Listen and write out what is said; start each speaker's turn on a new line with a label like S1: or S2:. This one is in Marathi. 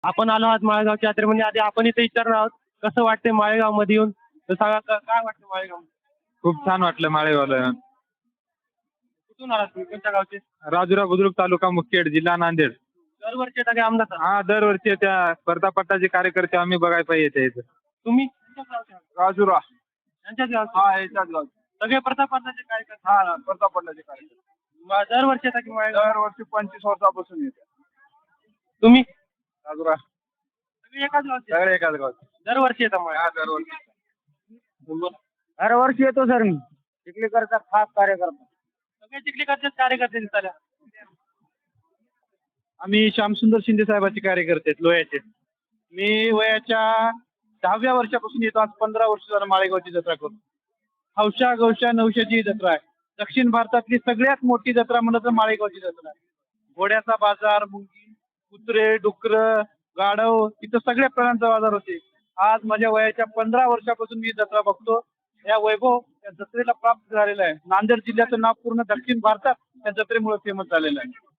S1: आपण आलो आहात माळेगावच्या यात्रेमध्ये. आधी आपण इथे विचारणार आहोत कसं वाटतंय माळेगाव मध्ये येऊन. तर सांगा काय वाटतं माळेगाव.
S2: खूप छान वाटलं माळेगावला.
S1: कुठून आलात तुम्ही, कोणत्या गावचे.
S2: राजुरा बुद्रुक तालुका मुखेड जिल्हा नांदेड.
S1: दरवर्षी येता काय आमदार.
S2: हा दरवर्षी त्या स्पर्धापटाचे कार्यकर्ते आम्ही बघायला पाहिजे येते.
S1: तुम्ही कोणत्या गावचे आहात?
S2: राजुरा.
S1: यांच्याच गावचे.
S2: हा याच्याच गाव.
S1: सगळे प्रतापचे कार्यकर्ते.
S2: हा स्पर्धापटाचे कार्यकर्ते
S1: दरवर्षी येता की माळेगाव.
S2: दरवर्षी 25 वर्षापासून येते.
S1: तुम्ही
S2: राजुरा.
S1: सगळे एकाच गावचे.
S2: सगळे एकाच गाव.
S1: दरवर्षी येता माळेगाव.
S2: हा दरवर्षी.
S3: दरवर्षी येतो सर मी. चिखलीकरचा खास कार्यकर्ता.
S1: सगळे चिखलीकरचेच कार्यकर्ते दिसतात.
S2: आम्ही श्यामसुंदर शिंदे साहेबांचे कार्यकर्ते आहेत लोह्याचे. मी वयाच्या 10व्या वर्षापासून येतो. आज 15 वर्ष झालं माळेगावची जत्रा करून. हौशा गौशा नवशाची जत्रा आहे. दक्षिण भारतातली सगळ्यात मोठी जत्रा म्हणलं तर माळेगावची जत्रा आहे. घोड्याचा बाजार, मुंगी, कुत्रे, डुकर, गाढव इथं सगळ्या प्राण्यांचा बाजार होते. आज माझ्या वयाच्या 15 वर्षापासून मी जत्रा बघतो. या वैभव या जत्रेला प्राप्त झालेला आहे. नांदेड जिल्ह्याचं नाव पूर्ण दक्षिण भारतात या जत्रेमुळे फेमस झालेलं आहे.